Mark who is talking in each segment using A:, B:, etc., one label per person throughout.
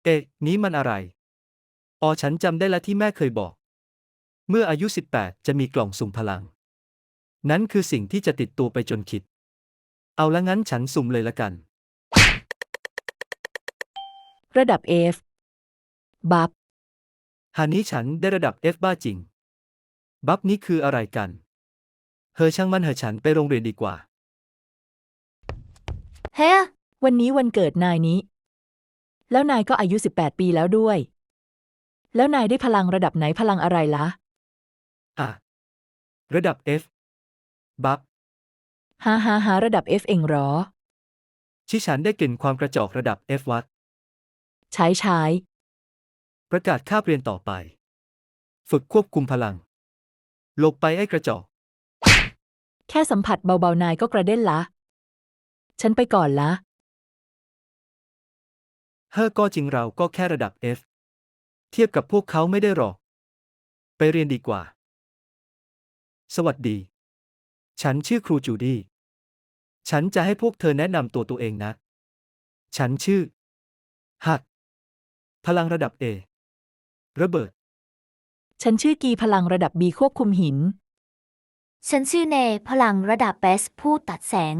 A: นี้มันอะไรอ๋อฉันจำได้ละที่แม่เคยบอก เมื่ออายุ18จะมีกล่องสุ่มพลัง นั้นคือสิ่งที่จะติดตัวไปจนคิด เอาละงั้นฉันสุ่มเลยละกัน
B: ระดับ F บัฟ
A: หานี้ฉันได้ระดับ F บ้าจริง บัฟนี้คืออะไรกัน ช่างมันฉันไปโรงเรียนดีกว่า
C: เฮ้
B: วันนี้วันเกิดนายนี้ แล้วนายก็อายุ18 ปีแล้วด้วย แล้วนายได้พลังระดับไหนพลังอะไรล่ะ
A: ระดับ F บัฟ
B: หาระดับ F เองเหรอ
A: ที่ฉันได้กลิ่นความกระจอกระดับ F วัด
B: ใช้
A: ประกาศคาบเรียนต่อไป ฝึกควบคุมพลัง หลบไปไอ้กระจอก
B: แค่สัมผัสเบาๆนายก็กระเด็นละ ฉันไปก่อนละ
A: ก็จริงเราก็แค่ระดับ F เทียบกับพวกเขาไม่ได้หรอก ไปเรียนดีกว่า สวัสดี ฉันชื่อครูจูดี้ ฉันจะให้พวกเธอแนะนำตัวเองนะ ฉันชื่อฮักพลังระดับ A ระเบิด
B: ฉันชื่อกีพลังระดับ B ควบคุมหิน
C: ฉันชื่อเนพลังระดับเบสผู้ตัดแสง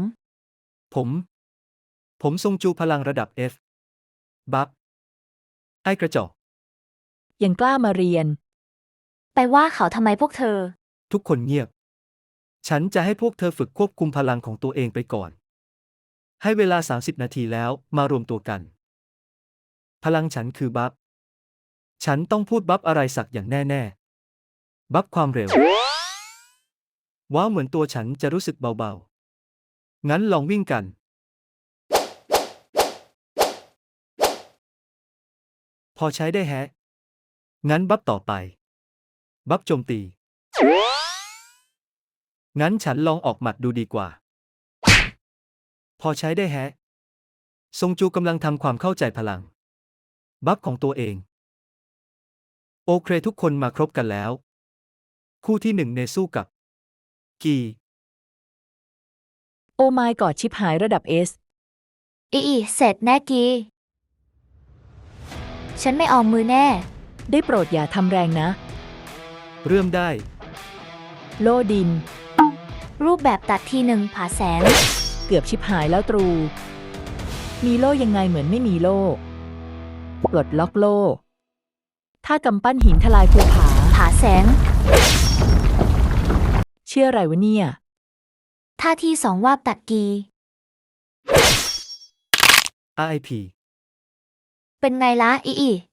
A: ผมทรงจูพลังระดับ F บัฟ ไอ้กระจอก
B: ยังกล้ามาเรียน
C: ไปว่าเขาทำไมพวกเธอ
A: ทุกคนเงียบ ฉันจะให้พวกเธอฝึกควบคุมพลังของตัวเองไปก่อน ให้เวลา30 นาทีแล้วมารวมตัวกัน พลังฉันคือบัฟ ฉันต้องพูดบัฟอะไรสักอย่างแน่ๆ บัฟความเร็ว ว้าวเหมือนตัวฉันจะรู้สึกเบาๆ งั้นลองวิ่งกัน พอใช้ได้แฮะ งั้นบัฟต่อไป บัฟโจมตี งั้นฉันลองออกหมัดดูดีกว่า พอใช้ได้แฮะ ทรงจูกำลังทำความเข้าใจพลัง บัฟของตัวเอง โอเคทุกคนมาครบกันแล้ว คู่ที่1เนสู้กับ กี
B: โอ้ไมกอดชิปหายระดับ S
C: เสร็จแน่กี ฉันไม่ออมมือแน่
B: ได้โปรดอย่าทำแรงนะ
A: เริ่มได้
B: โล่ดิน
C: รูปแบบตัดทีหนึ่งผ่าแสง
B: เกือบชิปหายแล้วตรู มีโล่ยังไงเหมือนไม่มีโล่ปลดล็อกโล่ ถ้ากำปั้นหินทลายภูผา
C: ผ่าแสง
B: เชื่ออะไรวะเนี่ย
C: ท่าที่2วาบตัดกี
A: RIP
C: เป็นไงละ